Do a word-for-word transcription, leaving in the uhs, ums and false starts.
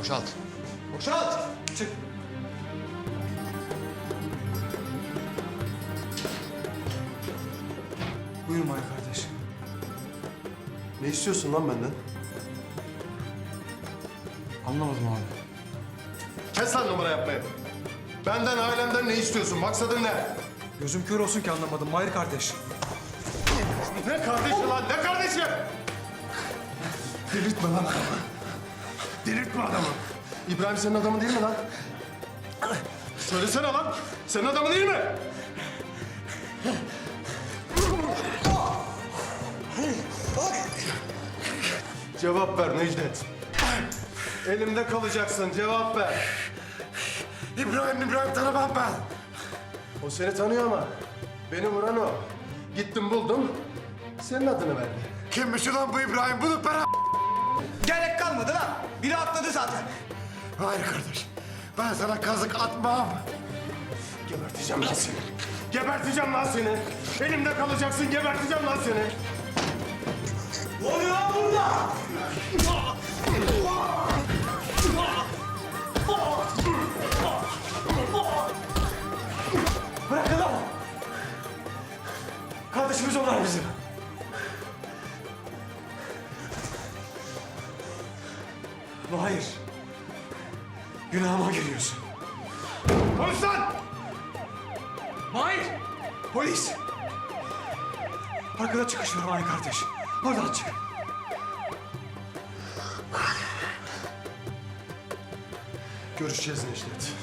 Boşalt. Boşalt! Çık. Buyur Mahir kardeş. Ne istiyorsun lan benden? Anlamadım abi. Kes lan numara yapmayı. Benden, ailemden ne istiyorsun? Maksadın ne? Gözüm kör olsun ki anlamadım Mahir kardeş. Ne kardeşi lan? Ne kardeşi? Delirtme lan adamı. Delirtme adamı. İbrahim senin adamın değil mi lan? Söylesene lan. Senin adamın değil mi? Cevap ver Necdet. Elimde kalacaksın. Cevap ver. İbrahim, İbrahim tanımam ben. O seni tanıyor ama beni vuran o. Gittim buldum. Senin adını verdi. Kimmiş ulan bu İbrahim? Bunu para... Gerek kalmadı lan. Biri atladı zaten. Hayır kardeş. Ben sana kazık atmam. Geberteceğim lan seni. Geberteceğim lan seni. Elimde kalacaksın. Geberteceğim lan seni. Ne oluyor lan burada? Bırakın lan. Kardeşimiz onlar bizim. Hayır. Günahıma giriyorsun. Konuş lan! Mahir! Polis! Arkada çıkış var Mahir kardeş. Oradan çık. Görüşeceğiz Necdet.